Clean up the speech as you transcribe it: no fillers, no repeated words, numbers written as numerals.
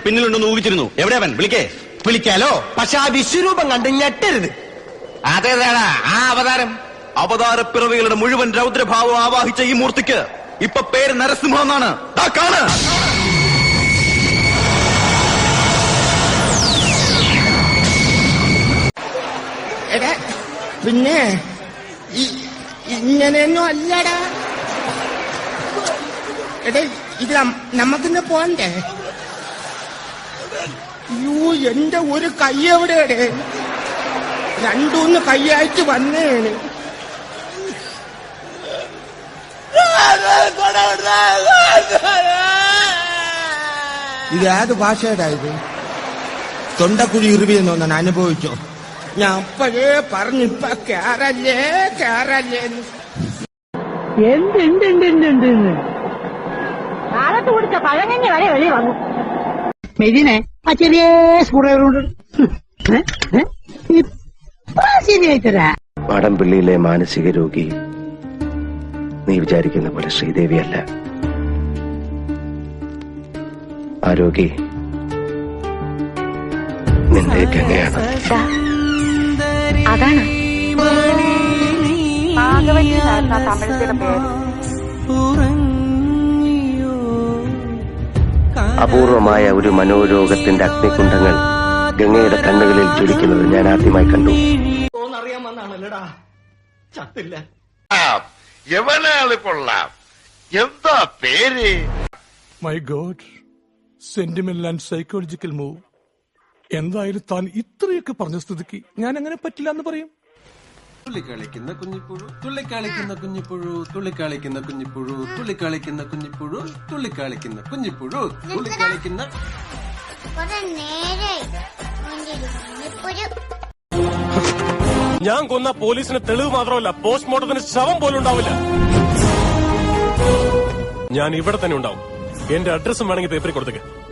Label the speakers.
Speaker 1: പിന്നിലുണ്ടെന്ന് ഊഹിച്ചിരുന്നു. എവിടെ അവൻ? വിളിക്കാലോ, പക്ഷെ ആ വിശ്വരൂപം കണ്ട് ഞെട്ടരുത്.
Speaker 2: അതേതാടാ ആ അവതാരം?
Speaker 1: അവതാരപ്പിറവികളുടെ മുഴുവൻ രൗദ്രഭാവം ആവാഹിച്ച ഈ മൂർത്തിക്ക് ഇപ്പൊ പേര് നരസിംഹം എന്നാണ്. കാണ്.
Speaker 3: എടാ പിന്നെ ഇങ്ങനെയൊന്നും അല്ലടാ. എടാ ഇത് നമുക്കിന്ന് പോണ്ടേ? യൂ, എന്റെ ഒരു കൈ എവിടെയുടെ? രണ്ടൂന്ന് കൈയായിട്ട് വന്നേണ്. ഇത് ഏത് ഭാഷയുടെ ഇത്? തൊണ്ടക്കുഴി ഇറിവിയെന്നൊന്നാണ് അനുഭവിച്ചോ? ഞാൻ അപ്പോഴേ പറഞ്ഞിപ്പ കേറല്ലേ
Speaker 4: എന്തുണ്ട് കാലത്ത് കുടിച്ച പഴങ്ങഞ്ഞി വരെ വെളി വന്നു. മെതിനെ ആ ചെറിയ സ്കൂളുകളുണ്ട് ശരിയായിത്തരാ.
Speaker 5: മാടമ്പിള്ളിയിലെ മാനസിക രോഗി നീ വിചാരിക്കുന്ന പോലെ ശ്രീദേവിയല്ല. ആ രോഗി നിന്റെ ഗംഗയാണ്.
Speaker 6: അതാണ് തമിഴത്തിലെ പേര്.
Speaker 5: അപൂർവമായ ഒരു മനോരോഗത്തിന്റെ അഗ്നികുണ്ഡങ്ങൾ ഗംഗയുടെ കണ്ണുകളിൽ ജ്വലിക്കുന്നത് ഞാൻ ആദ്യമായി കണ്ടു.
Speaker 1: അറിയാൻ വന്നാണല്ലോടാ, ചത്തില്ല.
Speaker 2: എവനാള് കൊള്ളാം. എന്താ പേര്?
Speaker 7: My god, sentimental and psychological move. എന്തായാലും താൻ ഇത്രയൊക്കെ പറഞ്ഞ സ്ഥിതിക്ക് ഞാൻ അങ്ങനെ പറ്റില്ല എന്ന് പറയും.
Speaker 8: തുള്ളിക്കളിക്കുന്ന കുഞ്ഞിപ്പുഴു, തുള്ളിക്കളിക്കുന്ന കുഞ്ഞിപ്പുഴു, തുള്ളിക്കളിക്കുന്ന കുഞ്ഞിപ്പുഴു, തുള്ളിക്കളിക്കുന്ന കുഞ്ഞിപ്പുഴു, തുള്ളിക്കളിക്കുന്ന കുഞ്ഞിപ്പുഴു, തുള്ളിക്കളിക്കുന്ന.
Speaker 7: ഞാൻ കൊന്ന പോലീസിന് തെളിവ് മാത്രമല്ല, പോസ്റ്റ്മോർട്ടത്തിന് ശവം പോലും ഉണ്ടാവില്ല. ഞാൻ ഇവിടെ തന്നെ ഉണ്ടാവും. എന്റെ അഡ്രസ്സും വേണമെങ്കിൽ പേപ്പറിൽ കൊടുത്തേക്ക്.